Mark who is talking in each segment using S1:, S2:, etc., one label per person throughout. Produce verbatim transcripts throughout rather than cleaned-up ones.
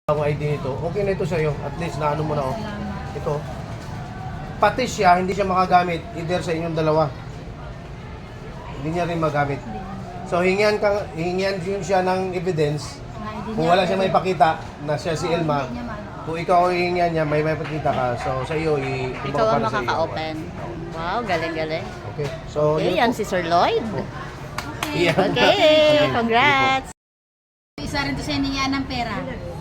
S1: Ang I D nito, okay na ito sa'yo. At least naano mo na oh. Ito. Pati siya, hindi siya makagamit either sa inyong dalawa. Hindi niya rin magamit. So hingian ka, hingian yun siya ng evidence. Kung wala siya may pakita na siya si Elma, kung ikaw ay hingian niya, may may pakita ka. So sa iyo, i
S2: Ikaw ang makaka-open. Wow, galing-galing.
S1: Okay. So
S2: Okay,
S1: yun
S2: yan
S1: po.
S2: si Sir Lloyd.
S1: Iyan.
S2: Okay, congrats.
S3: Isa rin to sa hiningaan ng pera.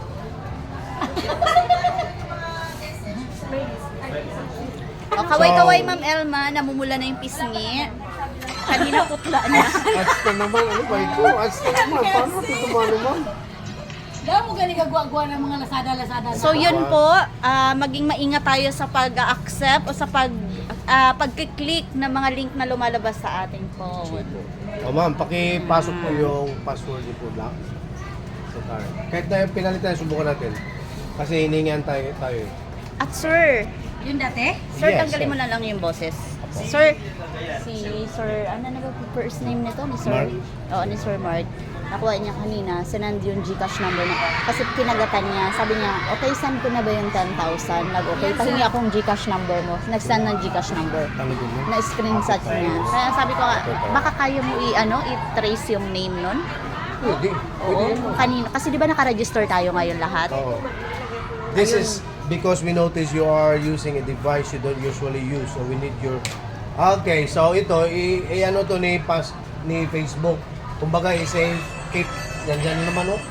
S2: O, kaway-kaway, Ma'am Elma, namumula na yung pisngi. Kanina putla niya.
S1: Asta naman, ano ba ito? Asta naman, paano ito naman?
S3: Daw mo gani gagwa-gwa ng mga lasada-lasada.
S2: So yun po, ah, maging maingat tayo sa pag-accept o sa pag ah, pag-click ng mga link na lumalabas sa ating phone.
S1: O ma'am, pakipasok po yung password niyo po lang. So, tayo. Kahit na yung pinalitan, subukan natin. Kasi hiningian tayo, tayo eh.
S2: At sir,
S3: Yung dati?
S2: sir,
S1: Yes,
S2: tanggalin
S1: sir.
S2: mo na lang yung boses. Sir, si Sir, ano na ba yung first name nito? Ni Sir?
S1: Mark?
S2: Oo, ni Sir Mark. Nakuha niya kanina, sinand yung Gcash number na. Kasi kinagatan niya, sabi niya, okay, send ko na ba yung ten thousand? Nag-okay, pahingi akong Gcash number mo. Nag-send ng Gcash number.
S1: Tanggapin mo.
S2: Na-screenshot niya. Kaya sabi ko, baka kaya mo i-ano, i-trace yung name nun?
S1: Pwede. Pwede
S2: Oo,
S1: yun.
S2: kanina. Kasi di ba naka-register tayo ngayon lahat?
S1: Oo. This is because we notice you are using a device you don't usually use. So we need your... Okay, so ito, i, i ano to ni, pas, ni Facebook. Kumbaga, i-save, keep, yan dyan naman oh.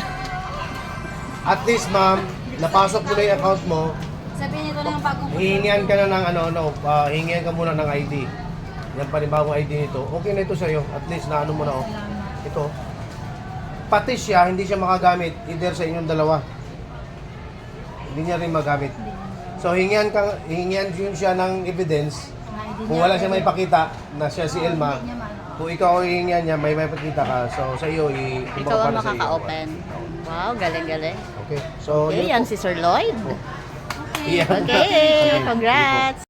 S1: At least ma'am, napasok mo na yung account mo,
S3: Sabihin niyo to lang ang bagong
S1: hihingian ka na ng ano, ano, uh, hihingian ka muna ng I D. Yan pa rin bagong I D nito. Okay na ito sa'yo. At least naano mo na oh. Ito. Pati siya, hindi siya makagamit either sa inyong dalawa. Hindi niya rin magamit. So hingian ka, hingian yun siya ng evidence. Kung wala siya may pakita na siya si Elma, kung ikaw ay hingian niya, may may pakita ka. So sa iyo, i
S2: Ikaw ang makaka-open. Wow, galing-galing.
S1: Okay. So
S2: Okay,
S1: yun
S2: yan
S1: po.
S2: si Sir Lloyd.
S1: Iyan.
S2: Okay, congrats.